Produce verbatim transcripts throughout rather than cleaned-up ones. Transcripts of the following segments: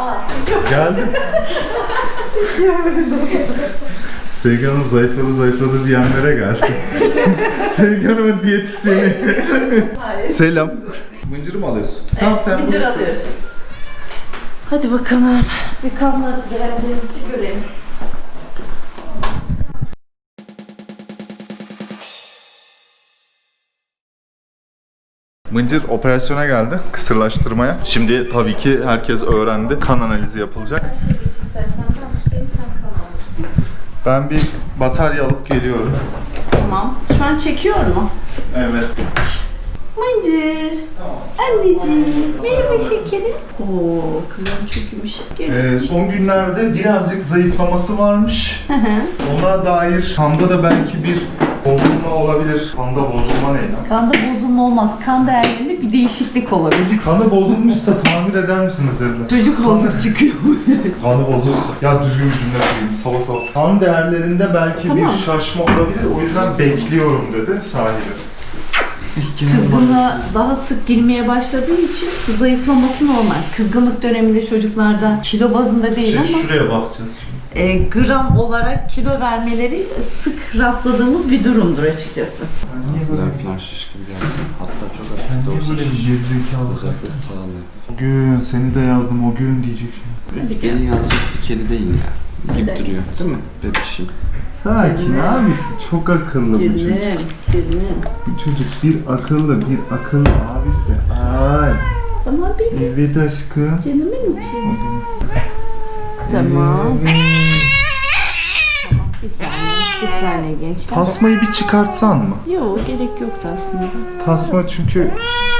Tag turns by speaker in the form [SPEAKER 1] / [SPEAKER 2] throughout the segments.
[SPEAKER 1] Geldim. Sevgi Hanım zayıfladı zayıfladı diyenlere gelsin. Sevgi Hanım'ın diyetisyeni. Selam. Mıncırı mı alıyorsun?
[SPEAKER 2] Evet, tamam, sen mıncır alıyoruz. Hadi bakalım. Bir kanla değerlerimizi görelim.
[SPEAKER 1] Mıncır operasyona geldi, kısırlaştırmaya. Şimdi tabii ki herkes öğrendi. Kan analizi yapılacak.
[SPEAKER 2] Her şey geç istersen ben tutayım, sen kan alırsın.
[SPEAKER 1] Ben bir batarya alıp geliyorum.
[SPEAKER 2] Tamam. Şu an çekiyor mu?
[SPEAKER 1] Evet.
[SPEAKER 2] Mıncır. Anneciğim. Merhaba şekerim. Oo, kızım çok yumuşak.
[SPEAKER 1] Ee, son günlerde birazcık zayıflaması varmış.
[SPEAKER 2] Hı hı.
[SPEAKER 1] Ona dair kanda da belki bir bozulma olabilir. Kanda bozulma ne lan?
[SPEAKER 2] Kanda bozulma olmaz. Kan değerlerinde bir değişiklik olabilir.
[SPEAKER 1] Kanı bozulmuşsa tamir eder misiniz dediler.
[SPEAKER 2] Çocuk bozuk çıkıyor.
[SPEAKER 1] Kanı bozuk. Ya düzgün bir cümle söyleyeyim. Sabah sabah. Kan değerlerinde belki
[SPEAKER 2] Tamam.
[SPEAKER 1] bir şaşma olabilir. O yüzden bekliyorum dedi sahibi.
[SPEAKER 2] Kızgınlığa daha sık girmeye başladığı için zayıflaması normal. Kızgınlık döneminde çocuklarda kilo bazında değil
[SPEAKER 1] Şey,
[SPEAKER 2] ama
[SPEAKER 1] şuraya bakacağız şimdi.
[SPEAKER 2] e, gram olarak kilo vermeleri sık rastladığımız bir durumdur açıkçası.
[SPEAKER 1] Niye böyle
[SPEAKER 3] Ağzından plan şiş gibi geldi. Hatta çok hafif de
[SPEAKER 1] Niye
[SPEAKER 3] olsa
[SPEAKER 1] böyle bir gerizekalı?
[SPEAKER 3] özellikle sağlığı.
[SPEAKER 1] O gün seni de yazdım o gün diyecek şimdi.
[SPEAKER 2] Hadi
[SPEAKER 3] Beni yazacak bir keli değil ya. Gidip
[SPEAKER 2] Hadi.
[SPEAKER 3] duruyor değil mi bebişim?
[SPEAKER 1] Sakin abisi çok akıllı bu çocuk.
[SPEAKER 2] Gülüm, gülüm.
[SPEAKER 1] Bu çocuk bir akıllı bir akıllı abisi. Ay.
[SPEAKER 2] Tamam benim.
[SPEAKER 1] Evet aşkım.
[SPEAKER 2] Canımın içi. Tamam.
[SPEAKER 1] Evet.
[SPEAKER 2] Tamam bir saniye, bir saniye gençler.
[SPEAKER 1] Tasmayı bir çıkartsan mı?
[SPEAKER 2] Yok gerek yoktu aslında.
[SPEAKER 1] Tasma çünkü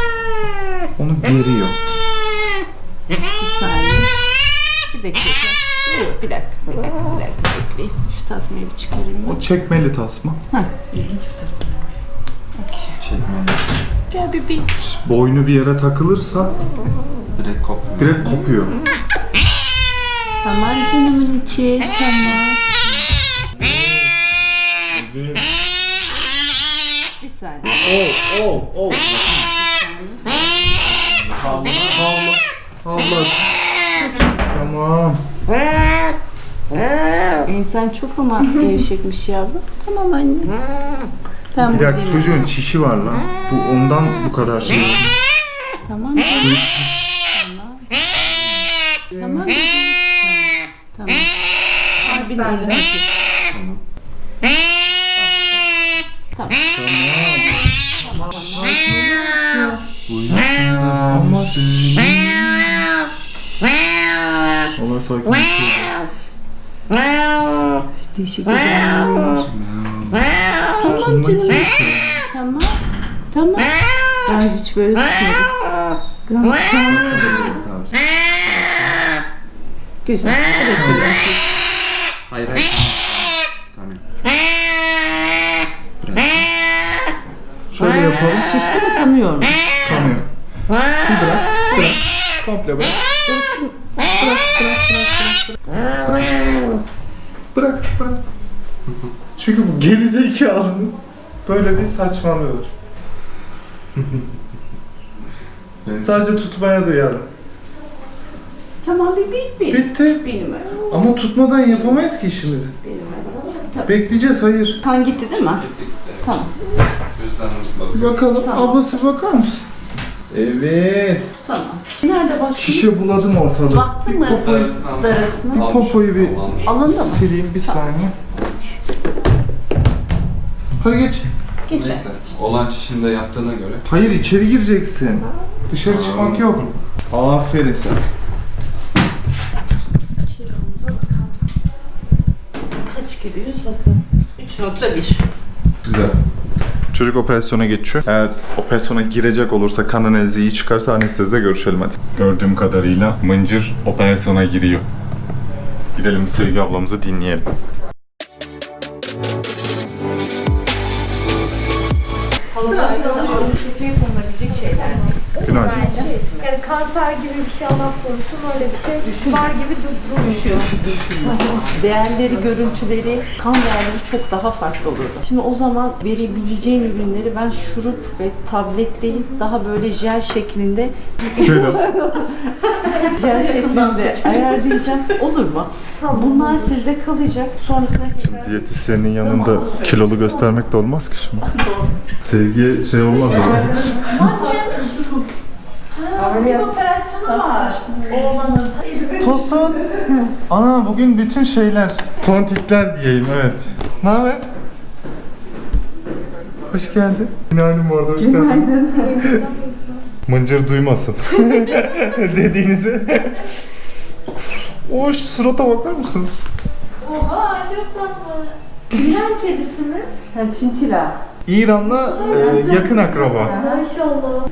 [SPEAKER 1] onu geriyor.
[SPEAKER 2] Bir saniye. Bir dakika. Yok bir dakika, bir dakika, bir dakika bekleyin. Şu tasmayı bir çıkarayım ben.
[SPEAKER 1] O çekmeli tasma.
[SPEAKER 2] Heh, ilginç bir tasma. Okey.
[SPEAKER 3] Çekmeli.
[SPEAKER 2] Gel bebeğim.
[SPEAKER 1] Boynu bir yere takılırsa
[SPEAKER 3] Direkt kopmuyor.
[SPEAKER 1] direkt kopuyor.
[SPEAKER 2] Tamam canımın içi, tamam. Bir saniye.
[SPEAKER 1] Oh oh oh. Havla havla. Havla. Tamam.
[SPEAKER 2] İnsan çok ama gevşekmiş yavrum. Tamam anne. Ben
[SPEAKER 1] Bir dakika
[SPEAKER 2] buradayım.
[SPEAKER 1] çocuğun çişi var lan. Bu ondan bu kadar şey.
[SPEAKER 2] Tamam. Tamam. Tamam bebeğim. Tamam. Tamam. Abin elini öpeyim. Tamam. Tamam.
[SPEAKER 1] Ama Allah sakin.
[SPEAKER 2] Teşekkür ederim. Tamam canım. Tamam. Tamam. Ben hiç böyle tutmadım. Tamam. Güzel. Evet, güzel.
[SPEAKER 3] Hayır hayır. Tamam. Bırak.
[SPEAKER 1] Şöyle yapalım.
[SPEAKER 2] Şişti mi kanıyor mu?
[SPEAKER 1] Kanıyor. Bir bırak. Bırak. Komple bırak.
[SPEAKER 2] Bırak, bırak, bırak, bırak, bırak.
[SPEAKER 1] Bırak. Bırak. Çünkü bu gerizekalı böyle bir saçmalıyor. Sadece tutmaya duyarım.
[SPEAKER 2] Tamam bebeğim benim.
[SPEAKER 1] Bitti.
[SPEAKER 2] Benim öyle.
[SPEAKER 1] Ama tutmadan yapamayız ki işimizi.
[SPEAKER 2] Benim öyle. Tabii.
[SPEAKER 1] Bekleyeceğiz, hayır.
[SPEAKER 2] Kan gitti değil mi? Tamam.
[SPEAKER 3] Gözden
[SPEAKER 1] Bir bakalım.
[SPEAKER 2] Tamam.
[SPEAKER 1] Ablası bakar mısın? Evet.
[SPEAKER 2] Tamam. Nerede baktınız?
[SPEAKER 1] Şişe buladım ortalığı.
[SPEAKER 2] Baktın mı?
[SPEAKER 3] Darasını
[SPEAKER 2] Darasını.
[SPEAKER 1] Bir popoyu bir
[SPEAKER 2] Alındı mı?
[SPEAKER 1] sileyim bir saniye. Hadi geç.
[SPEAKER 2] Geçer.
[SPEAKER 3] Neyse. Olan çişini de yaptığına göre.
[SPEAKER 1] Hayır, içeri gireceksin. Dışarı çıkmak yok. Aferin sen.
[SPEAKER 2] Kilomuza bakalım. Kaç gidiyoruz bakalım. üç nokta bir.
[SPEAKER 1] Güzel. Çocuk operasyona geçiyor. Eğer operasyona girecek olursa, kan analizi iyi çıkarsa anestezide görüşelim hadi. Gördüğüm kadarıyla Mıncır operasyona giriyor. Gidelim Sevgi ablamızı dinleyelim.
[SPEAKER 2] Sırayla kefeye konulabilecek şeyler.
[SPEAKER 1] Günaydın.
[SPEAKER 2] Şey etme.
[SPEAKER 4] Yani kanser gibi bir şey Allah korusun öyle bir şey var gibi dur-
[SPEAKER 2] Düşüyor. Değerleri, görüntüleri, kan değerleri çok daha farklı olurdu. Şimdi o zaman verebileceğin ürünleri ben şurup ve tablet değil, daha böyle jel şeklinde jel şeklinde ayarlayacağım. Olur mu? Bunlar sizde kalacak. Sonrasında tekrar...
[SPEAKER 1] Diyetisyenin yanında kilolu göstermek de olmaz ki şimdi. Sevgiye şey olmaz ama.
[SPEAKER 2] Bir operasyonu var. Oğlanın.
[SPEAKER 1] Tosun. Ana bugün bütün şeyler. Tontikler diyeyim, evet. Ne haber? Hoş geldin. Günaydın bu arada, hoş geldiniz. Mıncır duymasın dediğinizi. Oş, surata bakar mısınız?
[SPEAKER 4] Oha çok tatlı. İran kedisi mi?
[SPEAKER 2] Ha, çinçila.
[SPEAKER 1] İran'la e, yakın akraba.
[SPEAKER 4] Maşallah.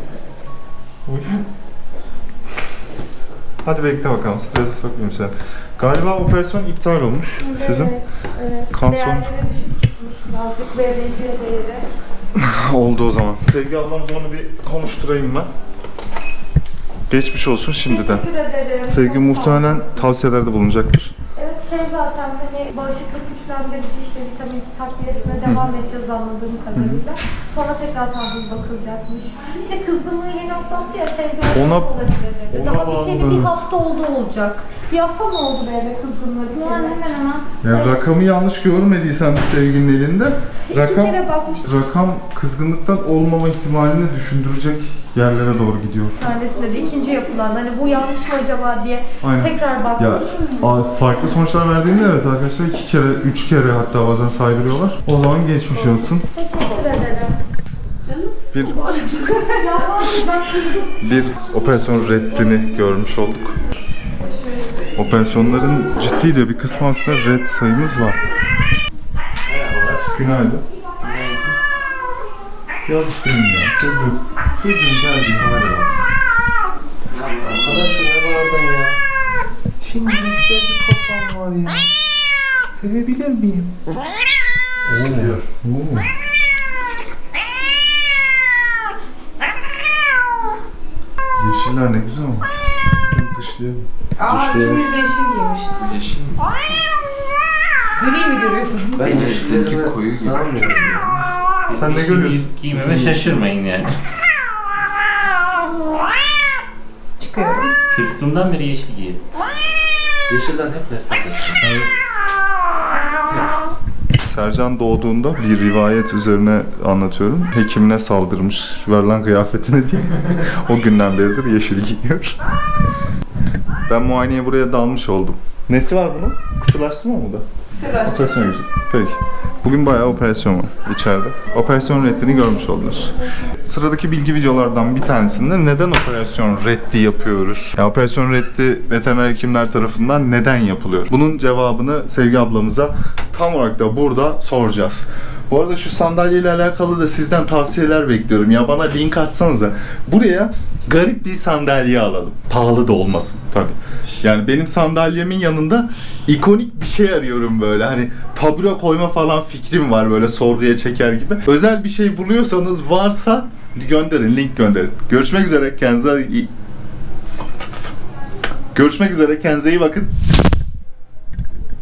[SPEAKER 1] Hadi bekle bakalım, strese sokmayayım seni. Galiba operasyon iptal olmuş sizin.
[SPEAKER 4] Evet, evet.
[SPEAKER 1] Kan son-
[SPEAKER 4] Değerleri düşük çıkmış birazcık. B B C değeri.
[SPEAKER 1] Oldu o zaman. Sevgi ablamızla onu bir konuşturayım ben. Geçmiş olsun şimdiden.
[SPEAKER 4] Teşekkür ederim.
[SPEAKER 1] Sevgi
[SPEAKER 4] Çok sağ
[SPEAKER 1] muhtemelen
[SPEAKER 4] olun.
[SPEAKER 1] tavsiyelerde bulunacaktır.
[SPEAKER 4] Evet şey zaten hani bağışıklık güçlendirici işte vitamin takviyesine devam edeceğiz anladığım kadarıyla. Sonra tekrar tahlil bakılacakmış. Bir de kızgınlığı yeni atlattı ya Sevgi
[SPEAKER 1] Ona-
[SPEAKER 4] ondan olabilir dedi.
[SPEAKER 1] ona
[SPEAKER 4] Daha biteli
[SPEAKER 1] bağlı.
[SPEAKER 4] bir hafta oldu olacak. Bir hafta mı oldu böyle kızgınlığı biteli? hemen hemen.
[SPEAKER 1] Yani rakamı yanlış görmediysen bir Sevginin elinde,
[SPEAKER 4] İki
[SPEAKER 1] rakam
[SPEAKER 4] kere bakmıştım.
[SPEAKER 1] rakam kızgınlıktan olmama ihtimalini düşündürecek yerlere doğru gidiyor.
[SPEAKER 4] Tanesinde de ikinci yapılan hani bu yanlış mı acaba diye
[SPEAKER 1] Aynen.
[SPEAKER 4] tekrar
[SPEAKER 1] Ya
[SPEAKER 4] bakmış.
[SPEAKER 1] a- farklı sonuçlar verdiğinde evet arkadaşlar iki kere, üç kere hatta bazen saydırıyorlar. O zaman geçmiş olsun.
[SPEAKER 4] Teşekkür ederim.
[SPEAKER 1] Bir
[SPEAKER 4] Ya var ya, ben kızdım.
[SPEAKER 1] bir operasyon reddini görmüş olduk. Operasyonların ciddi de bir kısmı aslında red sayımız var. Günaydın. Yazık değil mi ya? Çocuğun, çocuğun geldiği hale bak.
[SPEAKER 5] Arkadaşlar ne var oradan ya? Şimdi ne güzel bir kafam var ya. Sevebilir miyim?
[SPEAKER 1] Oo. Oo. Yeşiller ne güzel olmuş. Seni dışlayalım.
[SPEAKER 6] Aa, üçümüz de yeşil giymiş.
[SPEAKER 3] Yeşil mi?
[SPEAKER 6] Gri mi görüyorsun?
[SPEAKER 5] Ben
[SPEAKER 3] Evet,
[SPEAKER 5] yeşillerime
[SPEAKER 3] seninki koyu gibi.
[SPEAKER 5] sığamıyorum ya.
[SPEAKER 1] Sen ne görüyorsun?
[SPEAKER 7] Giymeme şaşırmayın yani.
[SPEAKER 6] Çıkıyorum.
[SPEAKER 7] Çocukluğumdan beri yeşil giyerim.
[SPEAKER 5] Yeşilden hep nefret ettim.
[SPEAKER 1] Sercan doğduğunda bir rivayet üzerine anlatıyorum. Hekimine saldırmış, verilen kıyafetine diye. O günden beridir yeşil giyiyor. Ben muayeneye buraya dalmış oldum. Nesi var bunun? Kısırlaştırma mı bu da?
[SPEAKER 6] Sırraşçı.
[SPEAKER 1] Operasyon girecek. Peki. Bugün bayağı operasyon var içeride. Operasyon reddini görmüş oldunuz. Sıradaki bilgi videolardan bir tanesinde neden operasyon reddi yapıyoruz? Yani operasyon reddi veteriner hekimler tarafından neden yapılıyor? Bunun cevabını Sevgi ablamıza tam olarak da burada soracağız. Bu arada şu sandalyeyle alakalı da sizden tavsiyeler bekliyorum. Ya bana link atsanıza. Buraya garip bir sandalye alalım. Pahalı da olmasın tabii. Yani benim sandalyemin yanında ikonik bir şey arıyorum böyle. Hani tabure koyma falan fikrim var böyle sorguya çeker gibi. Özel bir şey buluyorsanız varsa gönderin, link gönderin. Görüşmek üzere. Kendinize iyi... Görüşmek üzere. Kendinize iyi bakın.